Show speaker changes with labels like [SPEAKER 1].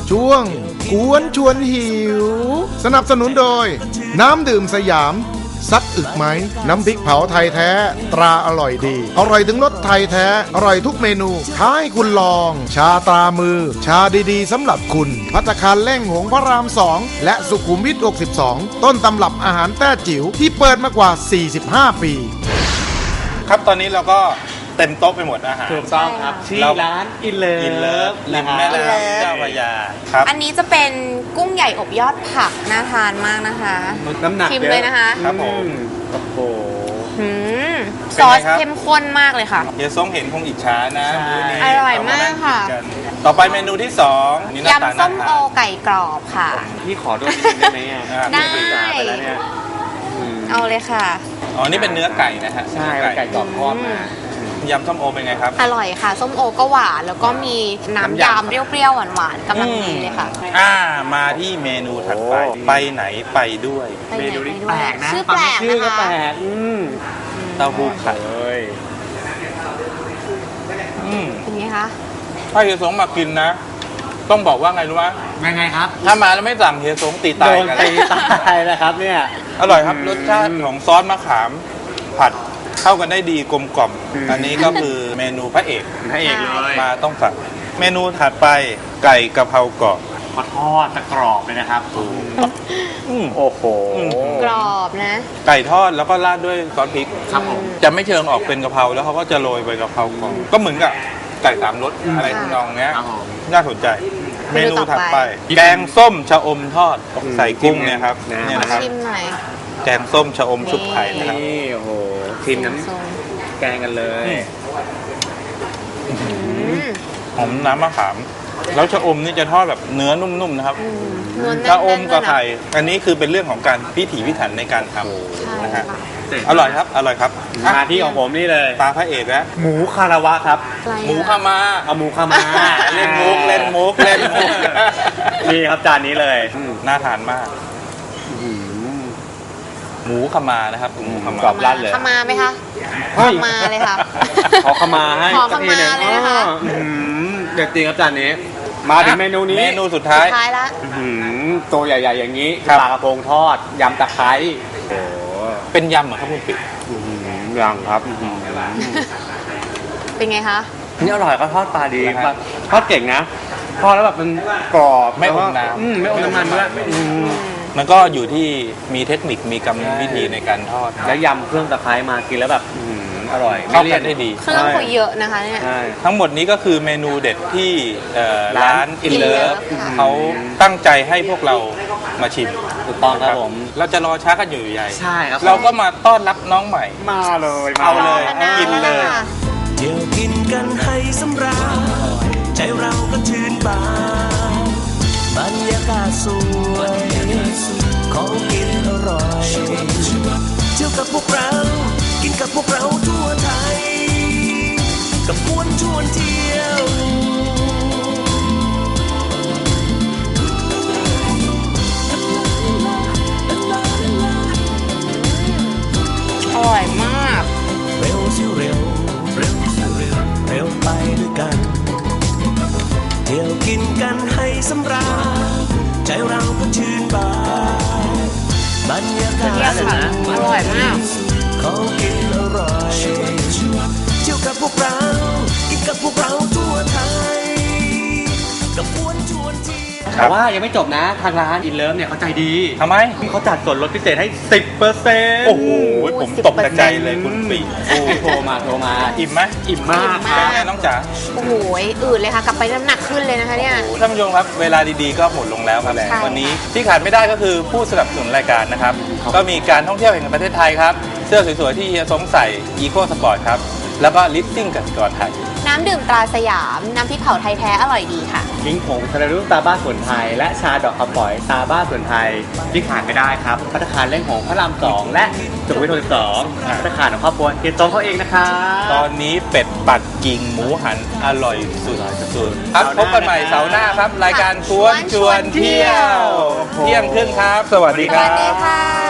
[SPEAKER 1] ช่วงกวนชวนหิวสนับสนุนโดยน้ำดื่มสยามซักอึกไหมน้ำพริกเผาไทยแท้ตราอร่อยดีอร่อยถึงรสไทยแท้อร่อยทุกเมนูท้าให้คุณลองชาตรามือชาดีๆสำหรับคุณภัตตาคารเล่งหงพระราม2และสุขุมวิท62ต้นตำรับอาหารแต้จิ๋วที่เปิดมากว่า45ปี
[SPEAKER 2] ครับตอนนี้เราก็เต็มโต๊ะไปหมดอาหาร
[SPEAKER 3] ถูกต้องครับที่ร้านอินเลิฟ
[SPEAKER 2] ริมแม่น้ำเจ้าพระยาครับ
[SPEAKER 4] อันนี้จะเป็นกุ้งใหญ่อบยอดผักน่าทานมากนะคะ
[SPEAKER 3] น้ำหนัก
[SPEAKER 4] ชิมเลยนะคะ
[SPEAKER 2] ครับผม
[SPEAKER 3] โอ้โห
[SPEAKER 4] ซอสเข้มข้นมากเลยค่ะ
[SPEAKER 2] เฮียซ้งเห็นคงอิจฉานะ
[SPEAKER 4] อร่อยมากค่ะ
[SPEAKER 2] ต่อไปเมนูที่2
[SPEAKER 4] ยำส้มโอไก่กรอบค่ะ
[SPEAKER 3] พี่ขอด้วยนิดนึงได้ไหม
[SPEAKER 4] ได้เอาเลยค่ะ
[SPEAKER 2] อ๋อนี่เป็นเนื้อไก่นะฮะ
[SPEAKER 3] ใช่ไก่กรอบทอดมาย
[SPEAKER 2] ำส้มโอเป็นไงครับ
[SPEAKER 4] อร่อยค่ะส้มโอก็หวานแล้วก็มีน้ำยำเปรี้ยวๆหวานๆกำลังดีเลยค่ะ
[SPEAKER 2] มาที่เมนูถัดไปไปไหนไปด้วย
[SPEAKER 3] เมนูนี้แปลกนะ
[SPEAKER 4] ชื่อแปลกนะคะ
[SPEAKER 2] เต้าหู้ไข่
[SPEAKER 4] เป็นไงคะ
[SPEAKER 2] ถ้าเฮียสงมากินนะต้องบอกว่าไงรู้ไหม
[SPEAKER 3] ไงครับ
[SPEAKER 2] ถ้ามาแล้วไม่สั่งเฮียสงตีตายกัน
[SPEAKER 3] ตีตายนะครับเนี่ย
[SPEAKER 2] อร่อยครับรสชาติของซอสมะขามผัดเข้ากันได้ดีกลมกล่อมอันนี้ก็คือเมนูพระเอก
[SPEAKER 3] เลย
[SPEAKER 2] มาต้องสั่งเมนูถัดไปไก่กะเพรากรอบ
[SPEAKER 3] มาทอดจะกรอบเลยนะครับโอ้โห
[SPEAKER 4] กรอบนะ
[SPEAKER 2] ไก่ทอดแล้วก็ราดด้วยซอสพริก
[SPEAKER 3] ครับผม
[SPEAKER 2] จะไม่เชิงออกเป็นกะเพราแล้วเขาก็จะโรยใบกะเพรากรอบก็เหมือนกับไก่3รสอะไรทำนองเนี้ยน่าสนใจเมนูถัดไปแกงส้มชะอมทอดใส่กุ้งเนี่ยครับเนี่ยนะครับแกงส้มชะอมชุบไข่นะครับ
[SPEAKER 3] นี่โอ้โหทีมน้ำแกงกันเลย
[SPEAKER 2] หอมน้ำมะขามแล้วชะอมนี่จะทอดแบบเนื้อนุ่มๆนะครับชะอมกับไข่อันนี้คือเป็นเรื่องของการพิถีพิถันในการทำนะฮะอร่อยครับอร่อยครับ
[SPEAKER 3] มาที่ของผมนี่เลย
[SPEAKER 2] ตาพระเอกแล้ว
[SPEAKER 3] หมูคาราวะครับ
[SPEAKER 2] หมูคามา
[SPEAKER 3] เอาหมูคามา
[SPEAKER 2] เล่นมุก
[SPEAKER 3] นี่ครับจานนี้เลย
[SPEAKER 2] น่าทานมากหมูขมานะครับหมูขมาก
[SPEAKER 3] รอบลั่นเลย
[SPEAKER 4] ขมาไหมคะขมาเลยค่ะ
[SPEAKER 3] ขอขมาให้
[SPEAKER 4] ขอขมาเลยนะคะ
[SPEAKER 3] เด็ดจริงครับจานนี้มาถึงเมนูนี้
[SPEAKER 2] เมนูสุดท้าย
[SPEAKER 4] แล้ว
[SPEAKER 3] ตัวใหญ่ๆอย่างนี้ปลากระพงทอดยำตะไคร้
[SPEAKER 2] เป็นยำเหรอครับคุณปิ๊ก
[SPEAKER 3] ยำครับ
[SPEAKER 4] เป็นไงคะ
[SPEAKER 3] นี่อร่อยก็ทอดปลาดีทอดเก่งนะทอดแล้วแบบมันกรอบ
[SPEAKER 2] ไม่อมน้ำ
[SPEAKER 3] ไม่อมน้ำมันด้วย
[SPEAKER 2] มันก็อยู่ที่มีเทคนิคมีกรรมวิธีในการทอด
[SPEAKER 3] แล้วยำเครื่องตะไคร้มากินแล้วแบบอร่อย
[SPEAKER 2] เข้ากันได้ดี
[SPEAKER 4] เครื่องคุยเยอะนะคะเนี่ย
[SPEAKER 2] ทั้งหมดนี้ก็คือเมนูเด็ดที่ร้านอินเลิฟเขาตั้งใจให้พวกเรามาชิม
[SPEAKER 3] ถูกต้องครับผม
[SPEAKER 2] เราจะรอช้ากันอยู่ใหญ่
[SPEAKER 3] ใช่ครับ
[SPEAKER 2] เราก็มาต้อนรับน้องใหม่
[SPEAKER 3] มาเลย
[SPEAKER 2] เอาเลยกินเลย
[SPEAKER 5] เดี๋ยวกินกันให้สำราญใจเราก็ชื่นบานบรรยากาศสวยของกินอร่อยเที่ยวกับพวกเรากินกับพวกเราทั่วไทยกับกวนชวนเที่ยว
[SPEAKER 4] อร่อยมาก
[SPEAKER 5] เร็วสิเร็วเร็วสิเร็วเร็วไปด้วยกันเที่ยวกินกันให้สำราญใจเราก็ชื่นบานบรรยากาศสวย
[SPEAKER 4] อร่อยมาก
[SPEAKER 5] ของกินอร่อยเที่ยวกับพวกเรากินกับพวกเราทั่วไทยกับกวนชวนเที่ยว
[SPEAKER 3] แต่ว่ายังไม่จบนะทางร้านอินเลิฟเนี่ยเขาใจดี
[SPEAKER 2] ทำไม
[SPEAKER 3] เขาจัดส่วนลดพิเศษให้ 10%
[SPEAKER 2] โอ้โหผมตกใจเลยคุณปี
[SPEAKER 3] โทรมา
[SPEAKER 2] อิ่มไหม
[SPEAKER 3] อิ่มมาก
[SPEAKER 2] เป็นไงน้องจ๋า
[SPEAKER 4] โอ้โหอืดเลยค่ะกลับไปน้ำหนักขึ้นเลยนะคะเนี่ย
[SPEAKER 2] ท่านผู้ชมครับเวลาดีๆก็หมดลงแล้วครับวันนี้ที่ขาดไม่ได้ก็คือผู้สนับสนุนรายการนะครับก็มีการท่องเที่ยวแห่งประเทศไทยครับเสื้อสวยๆที่เฮียสงใส่อีโคสปอร์ตครับแล้วก็ลิฟติ้งกสิกรไทย
[SPEAKER 4] น้ำดื่มตราสยามน้ำพริกเผาไทยแท้อร่อยดีค่ะ
[SPEAKER 3] ลิ้งผงทะเลรุ่งตาบ้าสวนไทยและชาดอกคำฝอยตาบ้าสวนไทยที่ขาดไม่ได้ครับภัตตาคารเล่งหงพระราม2และสุขุมวิท62ภัตตาคารของครอบครัวเฮียจงเขาเองนะครับ
[SPEAKER 2] ตอนนี้เป็ดปักกิ่งหมูหันอร่อยสุดๆครับพบกันใหม่เสาร์หน้าครับรายการกวนชวนเที่ยวเที่ยงครึ่งครับสวัสดีครับ